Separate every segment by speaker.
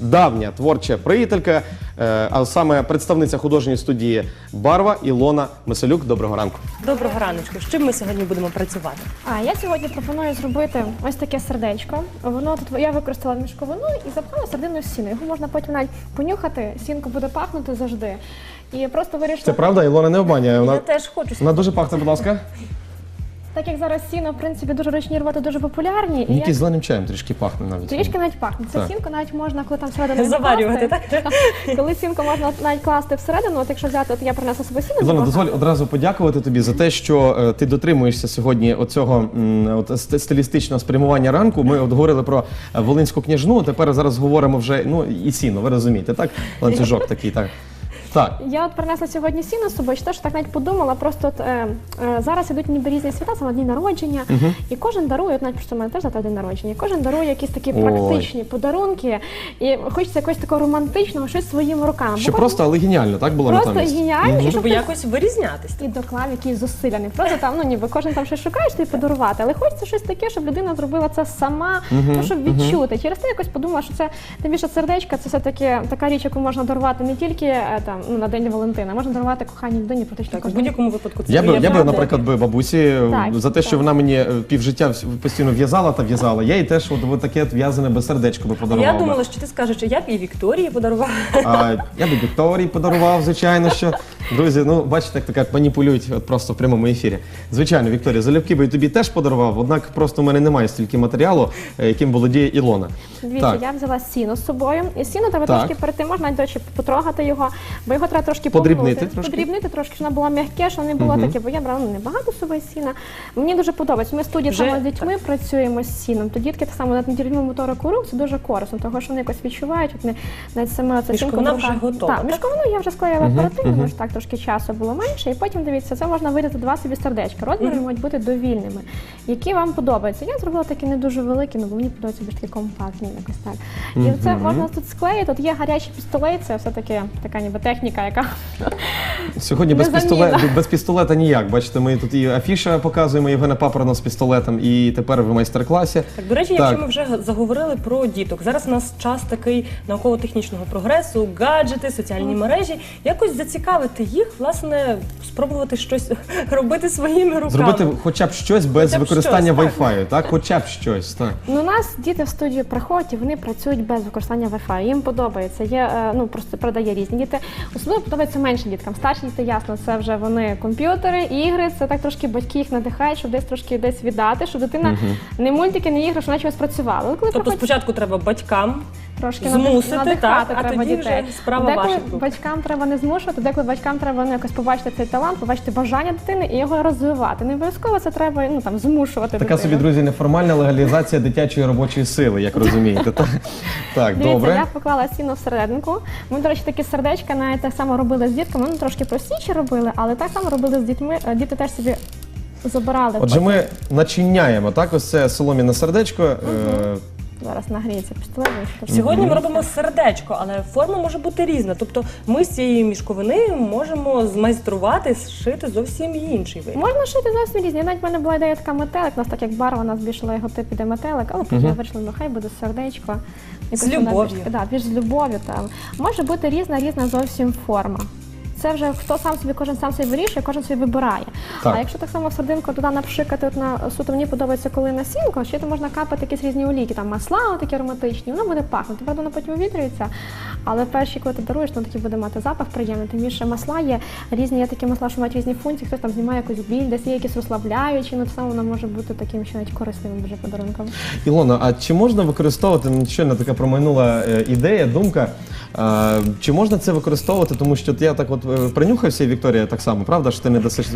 Speaker 1: давня творча приятелька, а саме представниця художньої студії «Барва» Ілона Мисалюк. Доброго ранку.
Speaker 2: Доброго раночку. З чим ми сьогодні будемо працювати?
Speaker 3: Я сьогодні пропоную зробити ось таке сердечко. Воно тут я використала мішковину і запхала середину сіну. Його можна потім навіть понюхати, сінка буде пахнути завжди. І просто вирішила...
Speaker 1: Це правда? Ілона не обманює.
Speaker 2: Я теж хочу.
Speaker 1: Вона дуже пахне, будь ласка.
Speaker 3: Так як зараз сіно, в принципі, дуже ручні роботи дуже популярні.
Speaker 1: Який зеленим чаєм трішки пахне навіть.
Speaker 3: Трішки навіть пахне. Це сінку навіть можна, коли там всередину
Speaker 2: заварювати, так?
Speaker 3: Коли сінку можна навіть класти всередину, от якщо взяти, от я принесла собі сіно.
Speaker 1: Ілона, дозволь одразу подякувати тобі за те, що ти дотримуєшся сьогодні оцього стилістичного спрямування ранку. Ми от говорили про Волинську княжну, тепер зараз говоримо вже, і сіно, ви розумієте, так? Ланцюжок такий, так. Так.
Speaker 3: Я от принесла сьогодні сіно з собою, що так навіть подумала, просто зараз ідуть ніби різні свята, саме дні народження, і кожен дарує, от навіть просто в мене теж завтра день народження, кожен дарує якісь такі практичні подарунки, і хочеться якогось такого романтичного, щось своїми руками.
Speaker 1: Що просто, але геніально, так було
Speaker 3: просто
Speaker 1: натомість?
Speaker 3: геніально,
Speaker 2: Щоб якось вирізнятись.
Speaker 3: і доклав якісь зусилля. Не просто там, ніби кожен там щось шукає, що тобі подарувати, але хочеться щось таке, щоб людина зробила це сама, щоб відчути. Через те якось подумала, що це, тим більше сердечка, це все-таки така річ, яку можна дарувати не тільки там, на День Валентина, можна дарувати коханій людині практично
Speaker 2: В будь-якому випадку це
Speaker 1: Я би, наприклад, бабусі за те, що вона мені півжиття постійно в'язала та в'язала, я їй теж от таке в'язане без сердечко би подарував.
Speaker 2: Я думала, що ти скажеш, що я б і Вікторії подарувала.
Speaker 1: Я би Вікторії подарував, звичайно, що. Друзі, бачите, як так маніпулюють от просто в прямому ефірі. Звичайно, Вікторія, залюбки би і тобі теж подарував, однак просто в мене немає стільки матеріалу, яким володіє Ілона.
Speaker 3: Дивіться, я взяла сіно з собою, і сіно треба трошки перед тим, можна, до речі, потрогати його, бо його треба трошки
Speaker 1: подрібнити,
Speaker 3: подрібнити трошки, щоб воно було м'яке, щоб не було таке, бо я брала небагато з собою сіна. Мені дуже подобається. Ми в студії саме з дітьми працюємо з сіном, то дітки так само на недільному моторику рук, це дуже корисно, тому що вони якось відчувають, навіть саме це
Speaker 2: мішковина вже готова.
Speaker 3: Так, мішковину я вже склеїла оперативно, тому що так трошки часу було менше, і потім, дивіться, це можна видати два собі сердечка, розміри мають бути довільними, які вам подобаються. Я зробила такі не дуже великі, бо мені подобаються більш такі компактні, якось так. І це можна тут склеїти, тут є гарячий пістолет, це все-таки така ніби техніка, яка...
Speaker 1: Сьогодні без пістолета ніяк. Бачите, ми тут і афіша показуємо Євгена Папорона з пістолетом, і тепер в майстер-класі.
Speaker 2: Так, до речі, якщо ми вже заговорили про діток, зараз у нас час такий науково-технічного прогресу, гаджети, соціальні мережі. Якось зацікавити їх, власне, спробувати щось робити своїми руками.
Speaker 1: Зробити хоча б щось без використання Wi-Fi, так? Хоча б щось, так.
Speaker 3: У нас діти в студію приходять, і вони працюють без використання Wi-Fi. Їм подобається. Є, просто продає різні діти. Особливо подобається меншим діткам. Старші діти, ясно, це вже вони комп'ютери, ігри, це так трошки батьки їх надихають, щоб десь віддати, щоб дитина не мультики, не ігри, щоб вона чогось працювала.
Speaker 2: Тобто спочатку треба батькам
Speaker 3: трошки
Speaker 2: змусити,
Speaker 3: надихати,
Speaker 2: а
Speaker 3: треба
Speaker 2: тоді
Speaker 3: дітей.
Speaker 2: вже справа ваша.
Speaker 3: Деколи батькам треба не змушувати, деколи батькам треба якось побачити цей талант, побачити бажання дитини і його розвивати. Не обов'язково це треба змушувати
Speaker 1: Така
Speaker 3: дитину.
Speaker 1: собі, друзі, неформальна легалізація дитячої робочої сили, як розумієте. Так,
Speaker 3: Дивіться,
Speaker 1: добре.
Speaker 3: я поклала сіно всерединку. Ми, до речі, такі сердечка навіть так само робили з дітками, трошки простіше робили, але так само робили з дітьми. Діти теж собі забирали.
Speaker 1: Отже, ми начиняємо, так, ось це солом'яне сердечко.
Speaker 3: Зараз нагріється пістолет.
Speaker 2: Сьогодні ми робимо сердечко, але форма може бути різна. Тобто ми з цієї мішковини можемо змайструвати, зшити зовсім інший вид.
Speaker 3: Можна шити зовсім різні. Навіть в мене була ідея така метелик, у нас так як барва, у нас збільшила його тип іде метелик, але потім я вирішила, хай буде сердечко.
Speaker 2: З любов'ю.
Speaker 3: Більш з любов'ю. Може бути різна зовсім форма. Це вже кожен сам собі вирішує, кожен собі вибирає.
Speaker 1: Так.
Speaker 3: А якщо так само в серединку туди напшикати, суто мені подобається, коли на сінку, ще то можна капати якісь різні олійки, там масла такі ароматичні, воно буде пахнути. Правда, воно потім увітрюється, але перші, коли ти даруєш, воно таки буде мати запах приємний. Тим більше масла є такі масла, що мають різні функції, хтось там знімає якусь біль, десь є якісь розслабляючі, так само воно може бути таким, що навіть корисним дуже подарунком.
Speaker 1: Ілона, а чи можна використовувати, щойно така промайнула ідея, думка, чи можна це використовувати, тому що я так принюхався, і Вікторія так само, правда, що ти не дасиш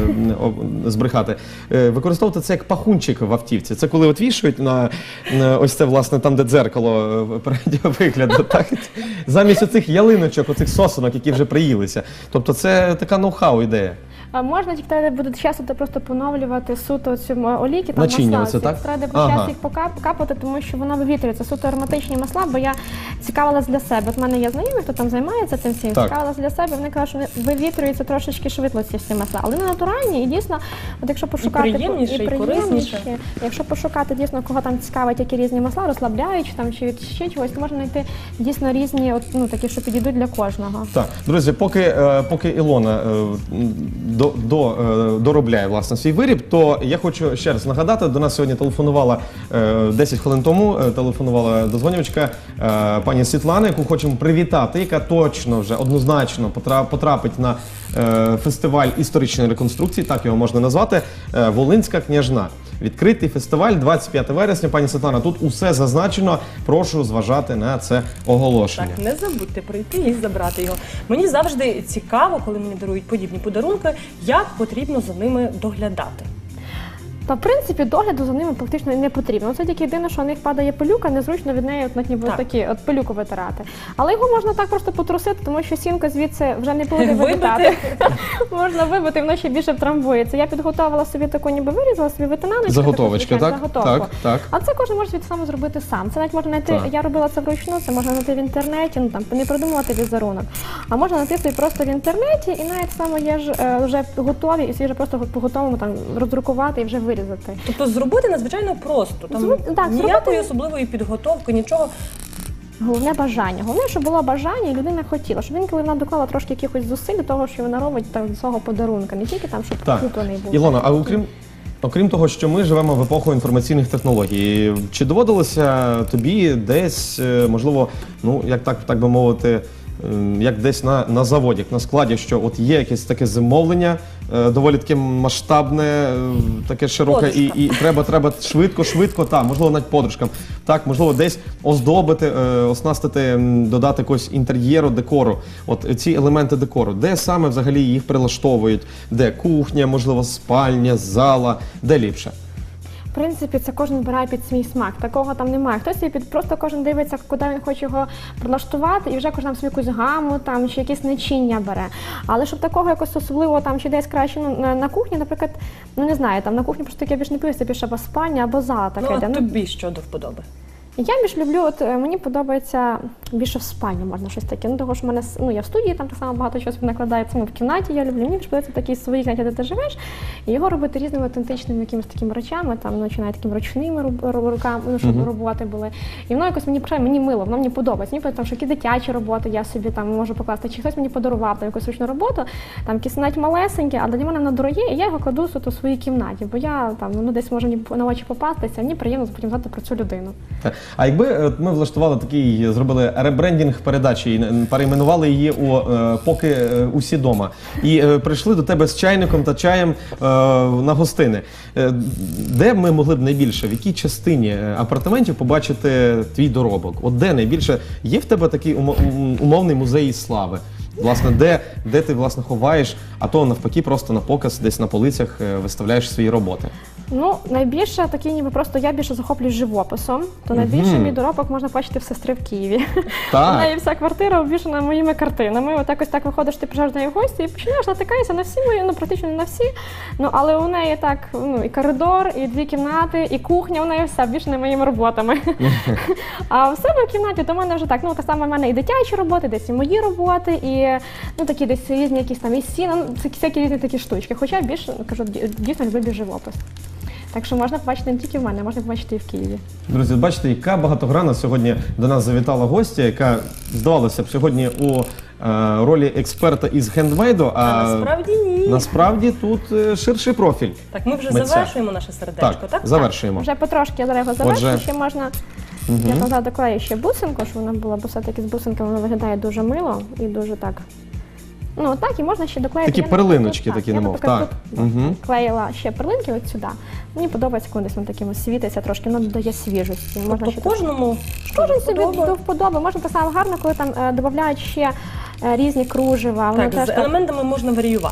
Speaker 1: збрехати, використовувати це як пахунчик в автівці. Це коли вішають на ось це, власне, там, де дзеркало переднього вигляду, так? Замість оцих ялиночок, оцих сосунок, які вже приїлися. Тобто це така ноу-хау ідея.
Speaker 3: Можна тільки буде часто просто поновлювати суто цю олійки,
Speaker 1: начиння, це так?
Speaker 3: Треба часто їх покапати, тому що вона вивітрюється. Суто ароматичні масла, бо я цікавилась для себе. От в мене є знайомі, хто там займається цим всім,
Speaker 1: Так.
Speaker 3: цікавилась для себе, вони кажуть, що вони вивітрюються трошечки швидко ці всі масла. Але вони натуральні і дійсно, от якщо пошукати
Speaker 2: приємніше, і корисніше.
Speaker 3: якщо пошукати дійсно, кого там цікавить, які різні масла, розслабляючі там чи від ще чогось, то можна знайти дійсно різні, от, ну, такі, що підійдуть для кожного.
Speaker 1: Так, друзі, поки Ілона доробляє власне свій виріб, то я хочу ще раз нагадати, до нас сьогодні телефонувала 10 хвилин тому, телефонувала дозвонювачка пані Світлана, яку хочемо привітати, яка точно вже однозначно потрапить на фестиваль історичної реконструкції, так його можна назвати, Волинська княжна. Відкритий фестиваль 25 вересня. Пані Світлана, тут усе зазначено. Прошу зважати на це оголошення.
Speaker 2: Так, не забудьте прийти і забрати його. Мені завжди цікаво, коли мені дарують подібні подарунки, як потрібно за ними доглядати.
Speaker 3: Та, в принципі, догляду за ними практично не потрібно. Це тільки єдине, що у них падає пилюка, незручно від неї от, ніби
Speaker 2: Так.
Speaker 3: такі, от пилюку витирати. Але його можна так просто потрусити, тому що сінка звідси вже не буде
Speaker 2: Вибити.
Speaker 3: вилітати. Можна вибити, воно ще більше втрамбується. Я підготувала собі таку, ніби вирізала собі витинаночку.
Speaker 1: Заготовочки, так?
Speaker 3: Заготовку.
Speaker 1: Так.
Speaker 3: А це кожен може саме зробити сам. Це навіть можна знайти,
Speaker 1: Так.
Speaker 3: я робила це вручну, це можна знайти в інтернеті, ну там не придумувати візерунок. А можна знайти собі просто в інтернеті, і навіть саме є ж вже готові, і свіже просто по готовому там роздрукувати і вже вирізати.
Speaker 2: Тобто зробити надзвичайно просто. Там
Speaker 3: Так,
Speaker 2: ніякої
Speaker 3: зробити-
Speaker 2: особливої підготовки, нічого.
Speaker 3: Головне бажання. Головне, щоб було бажання, і людина хотіла, щоб він, коли вона доклала трошки якихось зусиль до того, що вона робить там свого подарунка, не тільки там, щоб
Speaker 1: Так.
Speaker 3: куплений був.
Speaker 1: Ілона, а окрім того, що ми живемо в епоху інформаційних технологій, чи доводилося тобі десь, можливо, ну як так би мовити, як десь на заводі, як на складі, що от є якесь таке замовлення, доволі таке масштабне, таке широке, і треба швидко, можливо, навіть подружкам, так, можливо, десь оздобити, оснастити, додати якогось інтер'єру, декору, от ці елементи декору, де саме взагалі їх прилаштовують, де кухня, можливо, спальня, зала, де ліпше?
Speaker 3: В принципі, це кожен вибирає під свій смак. Такого там немає. Хтось собі просто кожен дивиться, куди він хоче його прилаштувати, і вже кожен там собі якусь гаму там чи якісь начиння бере. Але щоб такого якось особливого там чи десь краще, ну, на кухні, наприклад, ну не знаю, там на кухні просто таке більш не пився, більше або спальня, або зала таке.
Speaker 2: Ну,
Speaker 3: йде.
Speaker 2: а тобі що до вподоби?
Speaker 3: Я більш люблю, от мені подобається більше в спальні можна щось таке. Ну того ж в мене я в студії там так само багато чогось накладається. В кімнаті я люблю. Мені більш подобається такі свої кімнаті, де ти живеш, і його робити різними автентичними якимись такими речами, там починає такими ручними руками, ну, щоб роботи були. І воно якось мені мило, воно мені подобається. Мені подобається, що які дитячі роботи я собі там можу покласти. Чи хтось мені подарував там якусь ручну роботу, там якісь навіть малесенькі, але для мене воно дороге, і я його кладу у своїй кімнаті, бо я там десь може мені на очі попастися, мені приємно потім знати про цю людину.
Speaker 1: А якби ми влаштували такий, зробили ребрендінг передачі і перейменували її у «Поки усі дома», і прийшли до тебе з чайником та чаєм на гостини, де ми могли б найбільше, в якій частині апартаментів побачити твій доробок? От де найбільше? Є в тебе такий умовний музей слави? Власне, де ти власне ховаєш, а то навпаки просто на показ десь на полицях виставляєш свої роботи?
Speaker 3: Ну, найбільше такі, ніби просто я більше захоплююсь живописом, то найбільше мій доробок можна бачити в сестри в Києві.
Speaker 1: Так.
Speaker 3: У неї вся квартира обвішана моїми картинами. От якось так виходиш, ти приїжджаєш до неї в гості і починаєш натикаєшся на всі мої, ну практично не на всі. Ну, але у неї так, ну, і коридор, і дві кімнати, і кухня, у неї вся обвішана моїми роботами. А в себе в кімнаті до мене вже так, ну, так само в мене і дитячі роботи, десь і мої роботи, і ну, такі десь різні якісь там і сіна, ну, це всякі різні такі штучки. Хоча більше, кажу, дійсно люблю живопис. Так що можна побачити не тільки в мене, можна побачити і в Києві.
Speaker 1: Друзі, бачите, яка багатогранна сьогодні до нас завітала гостя, яка, здавалося б, сьогодні у ролі експерта із хендмейду,
Speaker 2: А насправді ні.
Speaker 1: насправді тут ширший профіль.
Speaker 2: Так, ми вже
Speaker 1: митця.
Speaker 2: завершуємо наше сердечко, так?
Speaker 1: Завершуємо.
Speaker 3: Вже потрошки я зараз його завершу,
Speaker 1: Отже.
Speaker 3: ще можна. Я казала, доклею ще бусинку, щоб вона була, бо все-таки з бусинками воно виглядає дуже мило і дуже так. Ну, так, і можна ще доклеїти.
Speaker 1: Такі
Speaker 3: Я,
Speaker 1: перлиночки
Speaker 3: наприклад,
Speaker 1: такі,
Speaker 3: я,
Speaker 1: немов,
Speaker 3: наприклад,
Speaker 1: так.
Speaker 3: тут клеїла ще перлинки от сюди. Мені подобається, коли десь воно таким світиться трошки, воно додає свіжості. Можна
Speaker 2: Тобто
Speaker 3: ще
Speaker 2: кожному
Speaker 3: кожен собі
Speaker 2: вподоби.
Speaker 3: до вподоби. Можна так само гарно, коли там додають ще різні кружева. Воно
Speaker 2: Так,
Speaker 3: теж
Speaker 2: з елементами можна варіювати.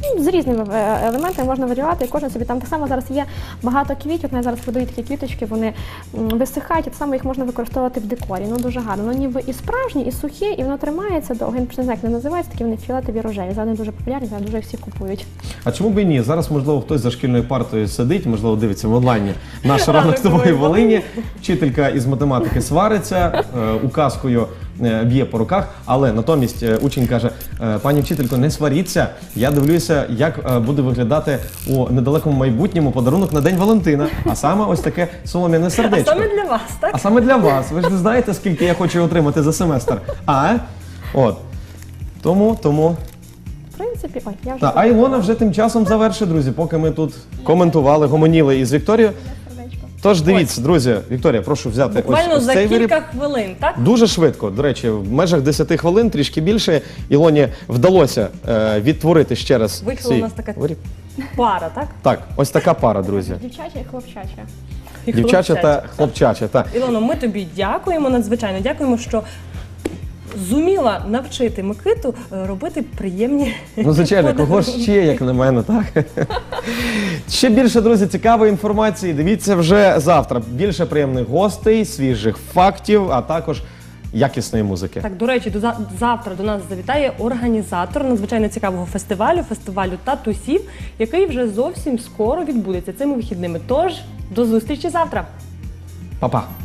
Speaker 3: з різними елементами можна варіювати, і кожен собі там так само зараз є багато квітів, я зараз продаю такі квіточки, вони висихають, і так само їх можна використовувати в декорі. Ну дуже гарно. Воно ніби і справжні, і сухі, і воно тримається довго. Я не знаю, як вони називаються, такі вони фіолетові рожеві. Зараз вони дуже популярні, зараз дуже їх всі купують.
Speaker 1: А чому б і ні? Зараз, можливо, хтось за шкільною партою сидить, можливо, дивиться в онлайні наш
Speaker 2: Ранок
Speaker 1: ранок з тобою в
Speaker 2: нової
Speaker 1: Волині. Вчителька із математики свариться, указкою б'є по руках, але натомість учень каже: пані вчителько, не сваріться, я дивлюся, як буде виглядати у недалекому майбутньому подарунок на День Валентина, а саме ось таке солом'яне
Speaker 2: А
Speaker 1: сердечко.
Speaker 2: саме для вас, так?
Speaker 1: А саме для вас. Ви ж не знаєте, скільки я хочу отримати за семестр. От. Тому.
Speaker 3: В принципі, ой, я вже...
Speaker 1: Та, а Ілона вже тим часом завершить, друзі, поки ми тут коментували, гомоніли із Вікторією.
Speaker 3: Сердечко.
Speaker 1: Тож дивіться, друзі, Вікторія, прошу взяти
Speaker 2: Буквально
Speaker 1: ось
Speaker 2: за
Speaker 1: цей
Speaker 2: кілька
Speaker 1: виріб.
Speaker 2: хвилин, так?
Speaker 1: Дуже швидко, до речі, в межах 10 хвилин, трішки більше, Ілоні вдалося відтворити ще раз
Speaker 2: Вийшла у
Speaker 1: цей
Speaker 2: нас така
Speaker 1: виріб.
Speaker 2: пара, так?
Speaker 1: Так, ось така пара, друзі.
Speaker 3: Дівчача і хлопчача.
Speaker 2: І
Speaker 1: Дівчача
Speaker 2: хлопчача.
Speaker 1: та хлопчача. Та.
Speaker 2: Ілоно, ми тобі дякуємо надзвичайно. Дякуємо, що зуміла навчити Микиту робити приємні.
Speaker 1: Ну, звичайно, кого ж ще, як на мене, так? Ще більше, друзі, цікавої інформації. Дивіться вже завтра. Більше приємних гостей, свіжих фактів, а також якісної музики.
Speaker 2: Так, до речі, завтра до нас завітає організатор надзвичайно цікавого фестивалю татусів, який вже зовсім скоро відбудеться цими вихідними. Тож, до зустрічі завтра!
Speaker 1: Па-па!